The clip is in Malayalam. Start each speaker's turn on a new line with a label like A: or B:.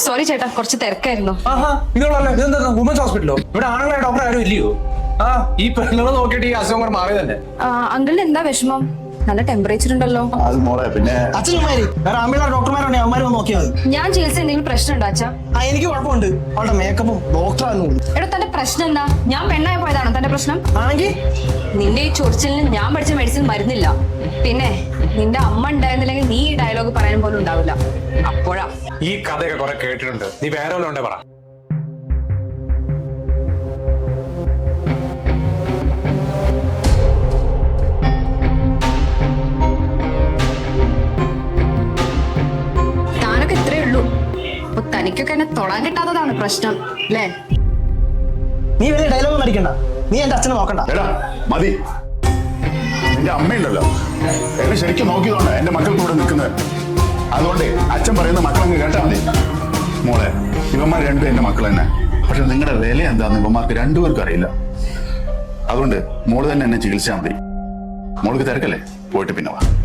A: സോറി ചേട്ടാ, കുറച്ച് തിരക്കായിരുന്നു.
B: വുമൻസ് ഹോസ്പിറ്റലോ? ഇവിടെ ആണുങ്ങളെ ഡോക്ടർ ആരും ഇല്ലയോ? ഈ പെണ്ണുങ്ങൾ നോക്കിയിട്ട് ഈ അസുഖം കൂടെ മാറി തന്നെ.
A: അങ്കിളിന് എന്താ വിഷമം? നല്ല ടെമ്പറേച്ചർ ഉണ്ടല്ലോ.
C: അത് മോളെ പിന്നെ
D: അച്ഛന്മാര് വേറെ ആമ്പിളാർ ഡോക്ടർമാരുണ്ട്, അവന്മാര് വന്ന് നോക്കിയാൽ മതി.
A: ഞാൻ ചികിത്സ എന്തെങ്കിലും പ്രശ്നം ഉണ്ടോ അച്ഛാ?
D: എനിക്ക് കുഴപ്പമുണ്ട്. അവളുടെ മേക്കപ്പും ഡോക്ടറാണെന്ന് തോന്നുന്നു.
A: എടാ, തന്റെ പ്രശ്നം എന്താ? ഞാൻ പെണ്ണായി പോയതാണോ തന്റെ പ്രശ്നം?
D: ആണെങ്കിൽ
A: നിന്റെ ഈ ചൊറിച്ചിലിന് ഞാൻ പഠിച്ച മെഡിസിൻ മരുന്നില്ല. പിന്നെ നിന്റെ അമ്മ ഉണ്ടായിരുന്നില്ലെങ്കിൽ നീ ഈ ഡയലോഗ് പറയാൻ പോലും ഉണ്ടാവില്ല. അപ്പോഴാ
B: ഈ കഥയൊക്കെ കുറെ കേട്ടിട്ടുണ്ട്. നീ വേറെ വല്ലതും ഉണ്ടേ പറ.
A: താനൊക്കെ ഇത്രേ ഉള്ളൂ. അപ്പൊ തനിക്കൊക്കെ എന്നെ തൊടാൻ കിട്ടാത്തതാണ് പ്രശ്നം അല്ലേ?
D: നീ വലിയ ഡയലോഗ് അടിക്കണ്ട. നീ എന്റെ അച്ഛനെ നോക്കണ്ട.
C: എടാ മതി. നിന്റെ അമ്മയുണ്ടല്ലോ, എന്നെ ശരിക്കും നോക്കിയതുകൊണ്ട് എന്റെ മക്കൾ കൂടെ നിൽക്കുന്നത്. അതുകൊണ്ട് അച്ഛൻ പറയുന്ന മക്കളങ്ങ് കേട്ടാ മതി. മോളെ, ഇവന്മാർ രണ്ടും എന്റെ മക്കൾ തന്നെ. പക്ഷെ നിങ്ങളുടെ വില എന്താന്ന് ഇവന്മാർക്ക് രണ്ടുപേർക്കും അറിയില്ല. അതുകൊണ്ട് മോള് തന്നെ എന്നെ ചികിത്സിച്ചാൽ മതി. മോൾക്ക് തിരക്കല്ലേ, പോയിട്ട് പിന്നെ വാ.